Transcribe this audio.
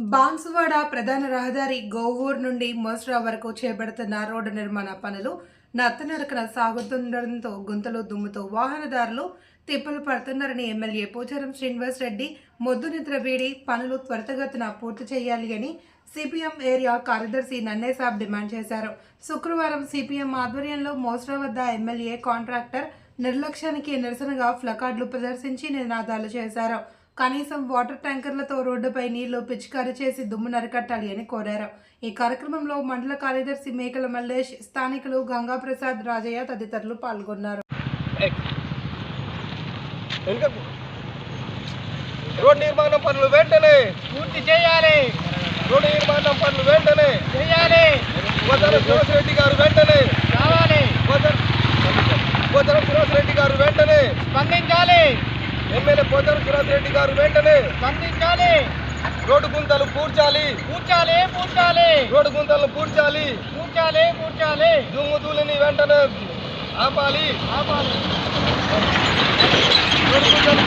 బాన్సువాడ ప్రధాన రహదారి గోవూరు నుండి మోస్రా వరకు చేపడుతున్న రోడ్డు నిర్మాణ పనులు నత్తనడకన సాగుతుండటంతో గుంతలు దుమ్ముతో వాహనదారులు తిప్పలు పడుతున్నారని ఎమ్మెల్యే పోచారం శ్రీనివాస్ రెడ్డి మొద్దు నిద్ర వీడి పనులు త్వరితగతిన పూర్తి చేయాలి అని సిపిఎం ఏరియా కార్యదర్శి నన్నేసాబ్ డిమాండ్ చేశారు. శుక్రవారం సిపిఎం ఆధ్వర్యంలో మోస్రా వద్ద ఎమ్మెల్యే కాంట్రాక్టర్ నిర్లక్ష్యానికి నిరసనగా ప్లకార్డులు ప్రదర్శించి నినాదాలు చేశారు. కనీసం వాటర్ ట్యాంకర్లతో రోడ్డుపై నీళ్లు పిచికారీ చేసి దుమ్ము నరికట్టాలి అని కోరారు. ఈ కార్యక్రమంలో మండల కార్యదర్శి మేకల మల్లేష్, స్థానికులు గంగాప్రసాద్, రాజయ్య తదితరులు పాల్గొన్నారు. రోడ్ నిర్మాణం పనులు వెంటనే పూర్తి చేయాలి. రోడ్ నిర్మాణం పనులు వెంటనే చేయాలి. పోచారం శ్రీనివాస్ రెడ్డి గారు వెంటనే కావాలి. పోచారం శ్రీనివాస్ రెడ్డి గారు వెంటనే స్పందించాలి. ఎమ్మెల్యే పోచారం శ్రీనివాస్ రెడ్డి గారు వెంటనే స్పందించాలి. రోడ్డు గుంతలు పూడ్చాలి. పూడ్చాలి. పూడ్చాలి. రోడ్డు గుంతలు పూడ్చాలి. పూడ్చాలి. పూడ్చాలి. దుమ్ము ధూళిని వెంటనే ఆపాలి. ఆపాలి. రోడ్డు గుంతలు